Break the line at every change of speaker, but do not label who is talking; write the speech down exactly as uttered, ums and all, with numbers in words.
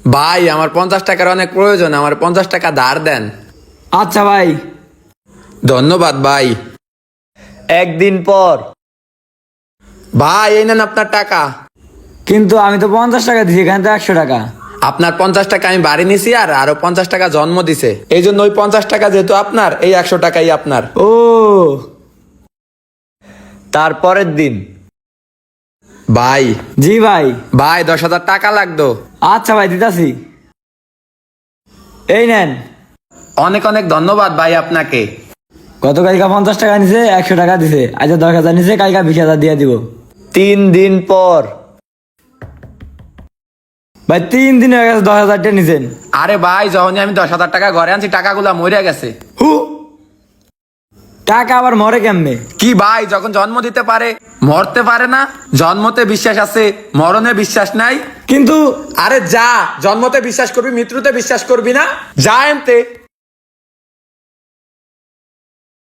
ভাই আমার পঞ্চাশ টাকার অনেক প্রয়োজন, আমার পঞ্চাশ টাকা ধার দেন।
আচ্ছা ভাই।
ধন্যবাদ ভাই।
একদিন পর।
ভাই এই নেন আপনার টাকা।
কিন্তু আমি তো পঞ্চাশ টাকা দিছি, এখানে তো একশো টাকা।
আপনার পঞ্চাশ টাকা আমি বাড়ি নিছি আর আরো পঞ্চাশ টাকা জন্ম দিছে, এই জন্য ওই পঞ্চাশ টাকা যেহেতু আপনার, এই একশো টাকাই আপনার।
ও
তারপরের দিন।
ভাই
জি ভাই।
ভাই দশ হাজার টাকা লাগতো।
আচ্ছা ভাই, দিতাছি। এই নেন।
অনেক অনেক ধন্যবাদ ভাই আপনাকে।
গত কালকা পঞ্চাশ টাকা নিছে, একশো টাকা দিছে, আচ্ছা দশ হাজার নিছে, কালকা বিশ হাজার দিয়ে দিব।
তিন দিন পর।
ভাই তিন দিন হয়ে গেছে, দশ হাজার টাকা নিছেন।
আরে ভাই যখনই আমি দশ হাজার টাকা ঘরে আনছি টাকাগুলা মরে গেছে।
হু, টাকা আবার মরে কেমনে?
কি ভাই, যখন জন্ম দিতে পারে মরতে পারে না? জন্মতে বিশ্বাস আছে, মরণে বিশ্বাস নাই।
কিন্তু
আরে যা, জন্মতে বিশ্বাস করবি, মৃত্যুতে বিশ্বাস করবি না? যা এনতে।